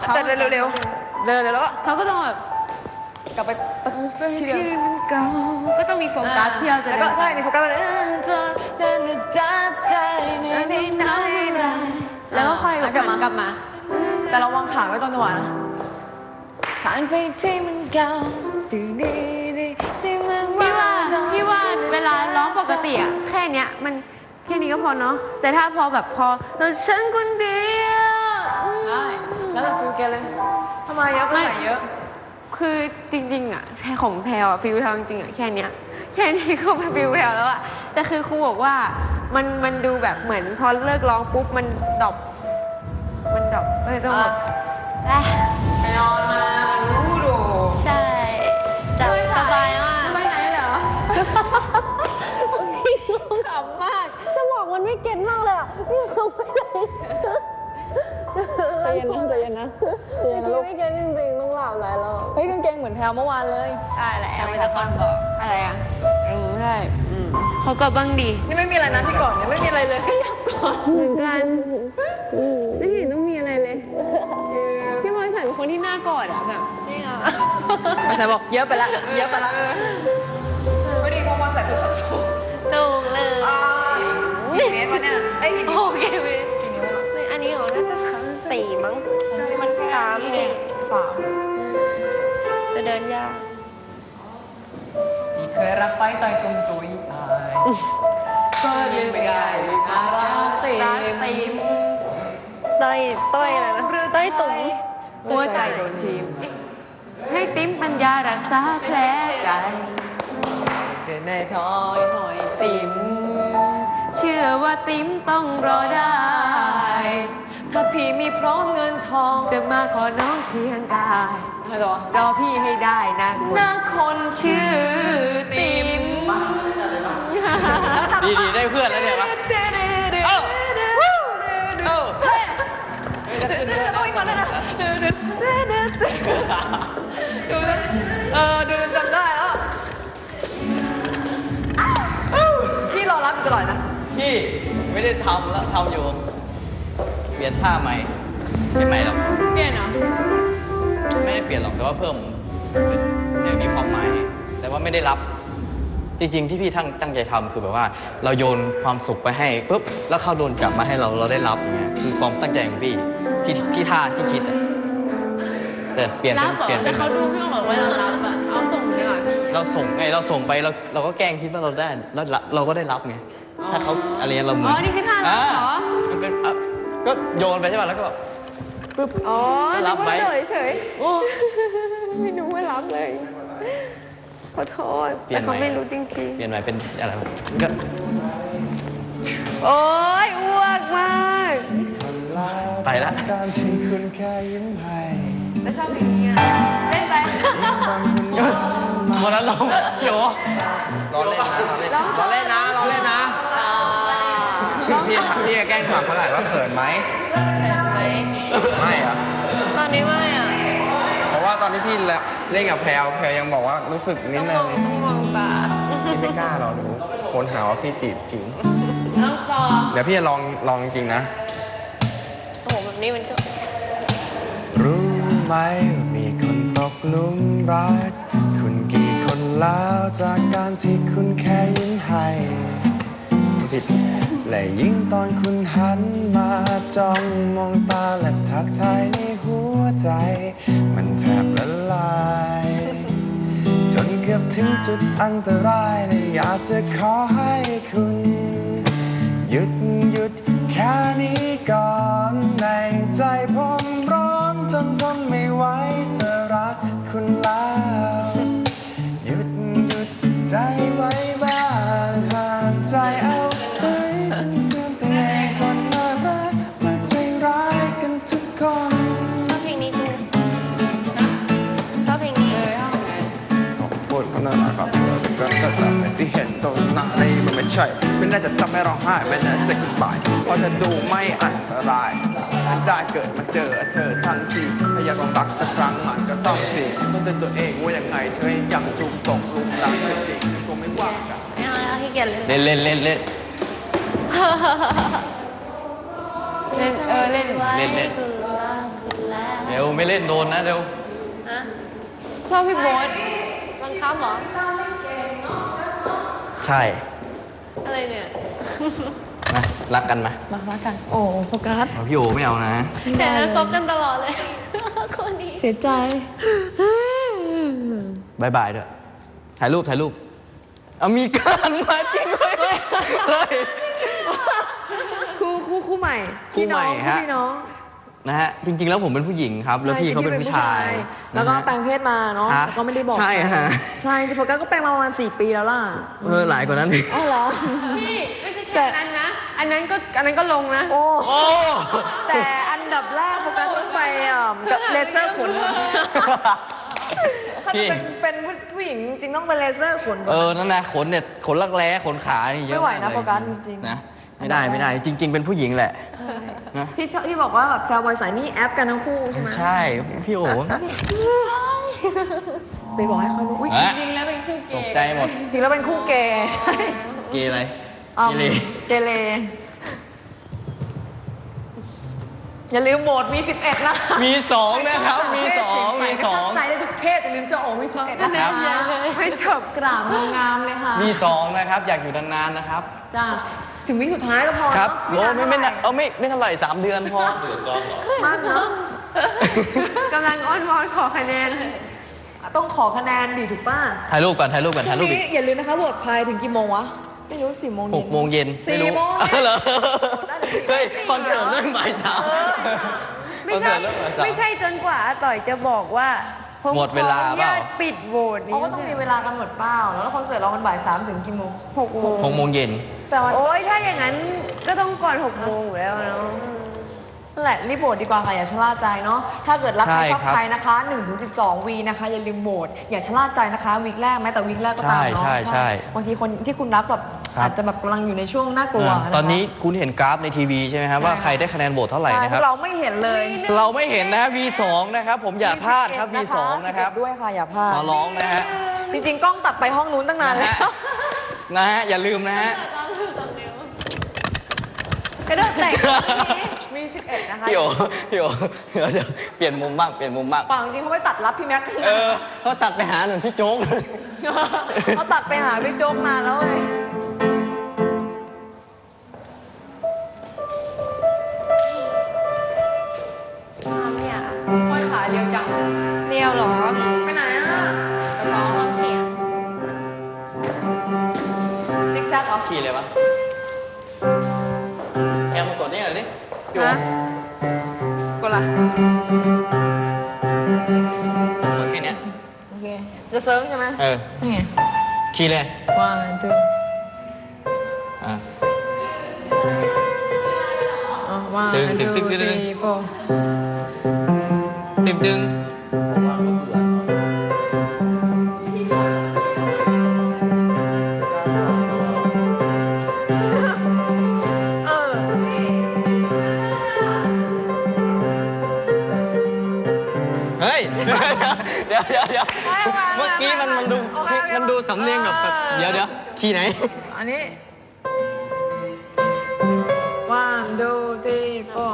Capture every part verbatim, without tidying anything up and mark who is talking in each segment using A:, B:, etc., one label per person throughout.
A: แต่เร็วเร็วเร็วเร็วแล้วก็
B: เขาก็ต้องแบบ
A: กลับไปที่เดิม
B: ก็ต้องมีโฟกัสที่เราจะ
A: แล้วก็ใช่มีโฟกัสเลย
B: แล้วก็ค่อยกลับมากลับมา
A: แต่เราวางขาไว้ตอนจังหวะนะผ่านไปที่มันเก่าตีดีดีที่เมืองว่า
B: พี่ว่าเวลาร้องปกติอะแค่เนี้ยมันแค่นี้ก็พอเนาะแต่ถ้าพอแบบพอเราฉันคนเดียว
A: ได้แล้วเราฟิลแกเลยทำไมเยอะไปใส่เยอะ
B: คือจริงๆอะแพรของแพรอะฟิลทางจริงอะแค่เนี้ยแค่นี้ก็เป็นฟิลแพรแล้วอะแต่คือครูบอกว่ามันมันดูแบบเหมือนพอเลิกร้องปุ๊บมันดรอปมันดรอปเลยต้องแบบ
A: ไปนอนมารู้ดู
B: ใช่จับสบายมาก
A: ไปไหนเหรอ
B: ขำมาก
C: สมองมันไม่เก็ตมากเลยอ่ะพี่เขาไม่ได้ใจเย็นนะใจเย็นนะใจเย็นนะลูกไม่เก็ตจริงๆต้องหลับแล้วเราเฮ้ยกางเกงเหมือนแพลวเมื่อวานเลย
B: ใช่แหละไม่ตะคอนบอกอะไรอ่ะอืมใช่อืมเขาก็บ้างดี
A: นี่ไม่มีอะไรนะที่ก่อนเนี่ยไม่มีอะไรเลยแค่ยับก่อน
B: เหมือนกันไม่เห็นต้องมีอะไรเลยพี่บอยใส่เป็นคนที่หน้ากอดอ่ะแบบนี่อ่ะ
A: ไม่ใส่บอกเยอะไปละเยอะไปละไม่ดีเพราะว่าใส่ชุดส้นสูง
B: ถูกเลย
A: กี่เมตรวะเนี่ยไอ้กี่นิ้ว
B: โอเคไหม
A: กี่นิ้ว
B: อันนี้เหรอน่าจะสี่มั้ง
A: มันสามสี่สาม
B: จะเดินยาก
A: พี่เคยรักไปตายตรงตุยตายก็ลืมไปได้ลืมอาราติม
C: ต้อยต้อยอะไรนะต้อยตุ๋ม
A: หัวใจโดนทีม
B: ให้ติ้มปัญญารักษาแผลใจ
A: เจอในถอยหน่อยติ๋ม
B: เชื่อว่าติ้มต้องรอได้
A: ถ้าพี่มีพร้อมเงินทอง
B: จะมาขอน้องเพียงกาย
A: ไม่หรอ
B: รอพี่ให้ได้นะ
A: นะคนชื่อติ๋ม
D: ดีดีได้เพื่อนแล้วเนี่ยวะเอ้าเอ้าเฮ้ยจะขึ้นด้วยนะสองคน
A: ดูเออดูจำได้แล้วพี่รอรับตลอดนะ
D: พี่ไม่ได้ทำแล้วทำอยู่เปลี่ยนท่าใหม่ไม่ใหม่หรอก
A: เปลี่ยนเหรอ
D: ไม่ได้เปลี่ยนหรอกแต่ว่าเพิ่มยังมีความหมายแต่ว่าไม่ได้รับจริงๆที่พี่ทั้งตั้งใจทำคือแบบว่าเราโยนความสุขไปให้ปุ๊บแล้วเขาโดนกลับมาให้เราเราได้รับอย่างเงี้ยคือความตั้งใจของพี่ที่ที่ท่าที่คิดอะแต่เปลี่ยนเป็นเปลี่ยน
B: แต่เขาดูพี่บอกว่าเรารับอะเอาส่งดีกว่าพี่
D: เราส่งไงเราส่งไปเราเราก็แกล้งคิดว่าเราได้แล้วเราก็ได้รับไงถ้าเขาอะไรเราเหมือน
B: อ๋อนี่คือท่ารับเหรอ
D: มันเป็นก็โยนไปใช่ป่ะแล้วก็แบบปุ๊บ
B: อ๋อ
D: รับไว้
B: เฉยๆไม่รู้ว่ารับเลยขอโทษแต่เขาไม่รู้จริงๆ
D: เปลี่ยนใหม่เป็นอะไรก็
B: โอ๊ยอ้วกมาก
D: ไปละ
E: การที่คุณแค่ยิ้มให้
B: แล้วชอบเพลงนี้เล่นไป
D: วันนั้นเราโยรอเล่นนะรอเล่นนะรอเล่นนะพี่พี่แกล้งถามเขาหน่อยว่าเขินไหมไม่อะ
B: ตอนนี้ไม่อะ
D: เพราะว่าตอนที่พี่เล่นกับแพลวแพลวยังบอกว่ารู้สึกนิดนึง
B: ต้องมองตา
D: พี่ไม่กล้าหรอกหนูคนหาว่าพี่จีบจริง
B: ต้องฟอ
D: เดี๋ยวพี่จะลองลองจริงนะ
B: โอ้โหแบบนี้มันก็
E: รู้ไหมมีคนตกหลุมรักคุณกี่คนแล้วจากการที่คุณแค่ยิ้มให้ผิดและยิ่งตอนคุณหันมาจ้องมองตาและทักทายในหัวใจมันแทบละลายจนเกือบถึงจุดอันตรายและอยากจะขอให้คุณหยุดหยุดแค่นี้ก่อนในใจผมร้อนจนทนไม่ไหวจะรักคุณแล้วหยุดหยุดใจไว้บ้างห่างใจเอาไว้เตือนตัวเองคนน่ารักมันใจร้ายกันทุกคน
B: ชอบเพลงนี้จริงชอบเพลงนี้เลยชอบไง
E: ขอบคุณเขาน่ารักครับก็ก็แต่ที่เห็นตรงหน้านี้มันไม่ใช่ไม่น่าจะทำให้ร้องไห้ไม่น่าเซ็กบายเพราะเธอดูไม่อันตรายมันได้เกิดมาเจอเธอทั้งทีถ้าอยากลองรักสักครั้งมันก็ต้องสิต้องเตือนตัวเองว่ายังไงเธอยังถูกตกลุมรักเธอจริงคงไม่ว่ากัน
B: ไม่เอาแล้วที่เกียจ
D: เล่นเล่นเล่นเล่น
B: เล่นเออเล่น
D: เล่นเล่น
B: เ
D: ร็วไม่เล่นโดนนะเร็ว
B: อะชอบพี่โบ๊ทบังคับเหรอ
D: ใช่
B: อะไรเนี่ย
D: นะรักกันไหม
C: มารักกัน โอ้โฟกัส
D: เอาพี่โอไม่เอานะ
B: แต่ซบกันตลอดเลย คนนี้
C: เสียใจ
D: บายบายด้วยถ่ายรูปถ่ายรูปเอามีการมาจริงเลยเฮ้ย
C: คู่คู่คู่ใหม่
D: คู่ใหม่
C: พี่น้อง
D: ฮะ
C: คู่พี่น้อง
D: นะฮะจริง ๆ แล้วผมเป็นผู้หญิงครับ แล้วพี่เขาเป็นผู้ชาย
C: แล้วก็
D: นะฮะ
C: แปลงเพศมาเนาะ
D: ฮะ
C: แล้วก็ไม่ได้บอก
D: ใช่ฮะ
C: ใช่จริงๆโฟกัสก็แปลงมาประมาณสี่ปีแล้วล่ะ
D: เออหลายกว่านั้นอีก
C: อ้าวเหรอ
B: พี่ไม่ใช่แค่นั้นนะ อันนั้นก็อันนั้นก็ลงนะ
C: โอ้
D: โอ้
C: แต่อันดับแรกโฟกัสต้องไปอ่ะกับเลเซอร์ขนถ้าจะเป็นเป็นผู้หญิงจริงต้องเป็นเลเซอร์ขนก่อน
D: เออนั่นนะขนเนี่ยขนรักแร้ขนขานี่เยอะ
C: ไม่ไหวนะ
D: ากเลย
C: โฟกัสจริงๆ
D: นะไม่ได้ไม่ได้ จริง ๆ เป็นผู้หญิงแหละนะ
C: ที่ชอบที่บอกว่าแบบแซวบอยสายนี่แอปกันทั้งคู่ใช่ไหม
D: ใช่พี่โอ
C: ไปบอกให้เขารู้อุ้ย
D: ฮะ
B: จริงๆแล้วเป็นคู่เก
D: ตก
B: ย์
D: ใจหมด
C: จริงแล้วเป็นคู่เกย์ใช่
D: เกย์อะไร
C: อืม
D: เกเร
C: เกเรอย่าลืมโหวตมีสิบเอ็ดนะ
D: มีสองนะครับ มีสองมีสอง
C: ใจได้ทุกเพศอย่าลืมเจะโอมีสิบเอ็ด
B: ก็
C: นะ
B: แน่
C: คะ
B: เยอะเลย
C: ให้จบกราบงามๆเลยค่ะ
D: มีสองนะครับ อยากอยู่นานๆนะครับ
C: จ้าถึงวิสุดท้ายแล้วพอ
D: ครับ
C: เนอะ
D: โอ้ไม่ไม่
C: นาน
D: เออไม่ไม่เท่าไหร่สามเดือนพอ
C: มากเนาะ
B: กำลังอ้อนวอนขอคะแนน
C: ต้องขอคะแนนดิถูกป่ะ
D: ถ่ายรูปก่อนถ่ายรูปก่อนถ่ายรูป
C: พ
D: อี
C: รุ่
D: ก
C: งนี้อย่าลืมนะคะโหวตพายถึงกี่โมงวะ ไม่รู้สี่โมง
D: หกโมงเย็นไม่รู้
C: สี่โมง
D: อ้าวเหรอ
C: ได้ถึงสี่โมง
D: เฮ้ยคอนเสิร์ตเรื่องบ่ายสาม
B: ไม่
D: คอน
B: ใช่
D: เสิร์ตเรื่องบ่ายสาม
B: ไม่ใช่จนกว่าอาต่อยจะบอกว่าผม
D: หมดเวลา
B: ขออนุ
D: เปล่า
B: ญตปิดโหวตนี้
C: เขาก็ต้องมีเวลากันหมดเปล่าแล้วคอนเสิร์ตเรามันบ่ายสามถึงกี่โมง
B: หกโมง
D: หกโมงเย็น
C: แต่ว่า
B: โอ้ยถ้าอย่างนั้นก็ต้องก่อนหกโมงอยู่แล้วเนาะ
C: นั่นแหละรีบโหวตดีกว่าค่ะอย่าชะล่าใจเนาะถ้าเกิดรักใคร
D: ใช่
C: ชอบ
D: ครับ
C: ใครนะคะหนึ่งถึงสิบสองวีนะคะอย่าลืมโหวตอย่าชะล่าใจนะคะวีคแรกแม้แต่วีคแรกก็ตามเนาะ
D: ใช่ใช่ใช่
C: บางทีคนที่คุณรักแบบ
D: ครับ
C: อาจจะแบบกำลังอยู่ในช่วงน่ากลัว
D: อ่า
C: นะคะ
D: ตอนนี้คุณเห็นกราฟในทีวีใช่ไหมครับว่าใครได้คะแนนโหวตเท่าไหร่
C: ใช่
D: นะ
C: พ
D: คว รับ
C: กเราไม่เห็นเลย
D: เราไม่เห็นนะ วี สอง นะครับ ผมอย่าพลาดครับ วี สอง นะครับ
C: สิเอ็ดด้วยค่ะอย่าพลาด
D: ขอร้องนะฮะ
C: จริงๆกล้องตัดไปห้องนู้นตั้งนาน
D: นะ
C: แล้
D: ฮะ
C: ว
D: นะฮะอย่าลืมนะฮะ
C: กระโดดแตกมีสิบเอ็ดนะคะ
D: พี่โอพี่โอเดี๋ยวเดี๋ยวเปลี่ยนมุมบ้างเปลี่ยนมุมบ้าง
C: เปล่าจริงๆเขาไม่ตัดรับพี่แม็กซ์
D: เออเขาตัดไปหาหนึ่งพี่โจ๊กเลย
C: เขาตัดไปหาพี่โจ๊กมาแล้วเลย
B: เนี่ย
C: ห้อยขาเรียวจัง
B: เดียวเหรอ
C: ไปไหนอ่ะไปซ้อม
B: ฟังเสียง
C: ซิกแซกเหรอ
D: ขี่เลยวะแอมมากดนี่หน่อยดิพี่โอ
C: ฮะ กดละ
D: กดแค่เนี้ย
C: โอเค จะเซิร์ฟใช่ไหม
D: เออ
C: นี่ไง
D: ขี่เลย
C: one two
D: อ่ะ
C: อ๋อ one
D: ตึงตึ
C: two
D: งตึงตึง
C: three four
D: ตึงตึง
C: เออ
D: เฮ้ย เดี๋ยวเดี๋ยวเดี๋ยว
C: ไม่ไม่ไม่
D: เมื่อกี้มันมันดู
C: โอเคโอเค
D: มันดูสำเนียงแบบแบบ
C: เออ
D: เดี๋ยวเดี๋ยวขี่ไหน
C: อันนี้ one two three four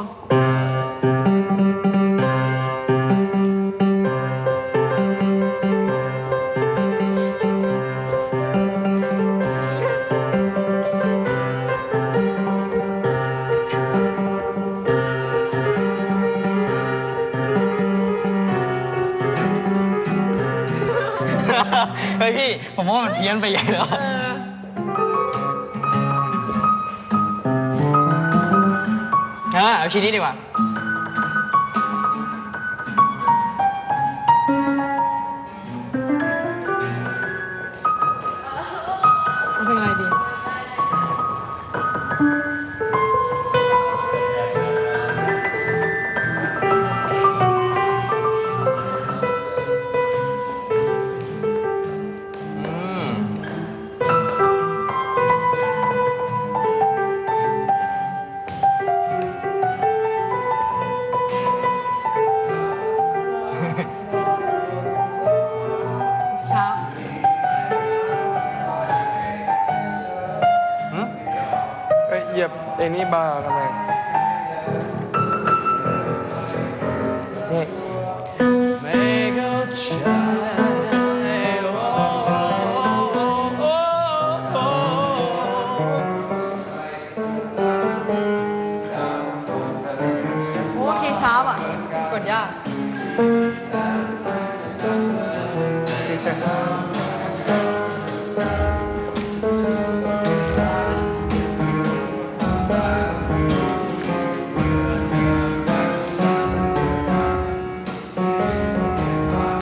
D: เฮ้ยพี่ ผมว่ามันเพี้ยนไปใหญ่แล้ว
C: เออ
D: อ่ะเอาชิ้นนี้ดีกว่า
C: เอาเพลงอะไรดี
D: อืม
C: เช้า
E: เอ้ยเหยียบไอ้นี่บาร์ทำไมนี่ฉัน